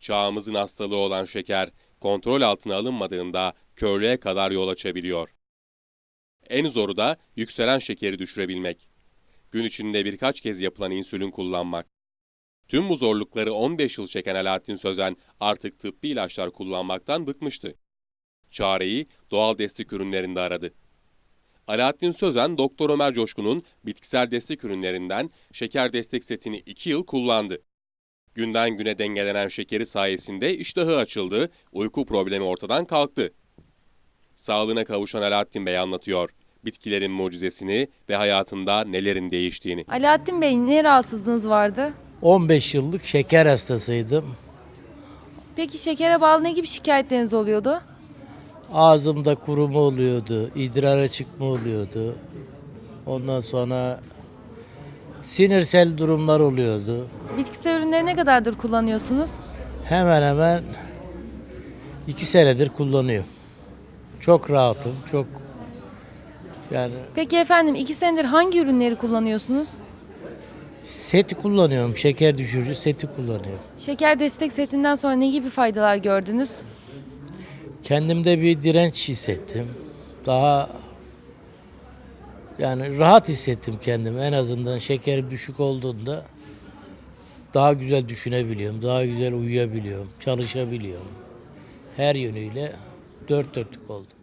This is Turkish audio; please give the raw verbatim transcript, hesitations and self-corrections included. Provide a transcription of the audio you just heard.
Çağımızın hastalığı olan şeker, kontrol altına alınmadığında körlüğe kadar yol açabiliyor. En zoru da yükselen şekeri düşürebilmek. Gün içinde birkaç kez yapılan insülin kullanmak. Tüm bu zorlukları on beş yıl çeken Alaaddin Sözen artık tıbbi ilaçlar kullanmaktan bıkmıştı. Çareyi doğal destek ürünlerinde aradı. Alaaddin Sözen, Doktor Ömer Coşkun'un bitkisel destek ürünlerinden şeker destek setini iki yıl kullandı. Günden güne dengelenen şekeri sayesinde iştahı açıldı, uyku problemi ortadan kalktı. Sağlığına kavuşan Alaaddin Bey anlatıyor bitkilerin mucizesini ve hayatında nelerin değiştiğini. Alaaddin Bey, ne rahatsızlığınız vardı? on beş yıllık şeker hastasıydım. Peki şekere bağlı ne gibi şikayetleriniz oluyordu? Ağzımda kuruma oluyordu, idrara çıkma oluyordu. Ondan sonra sinirsel durumlar oluyordu. Bitkisel ürünleri ne kadardır kullanıyorsunuz? Hemen hemen iki senedir kullanıyorum. Çok rahatım, çok yani Peki efendim, iki senedir hangi ürünleri kullanıyorsunuz? seti kullanıyorum, şeker düşürücü seti kullanıyorum. Şeker destek setinden sonra ne gibi faydalar gördünüz? Kendimde bir direnç hissettim. Daha yani rahat hissettim kendimi. En azından şekerim düşük olduğunda daha güzel düşünebiliyorum, daha güzel uyuyabiliyorum, çalışabiliyorum. Her yönüyle dört dörtlük oldu.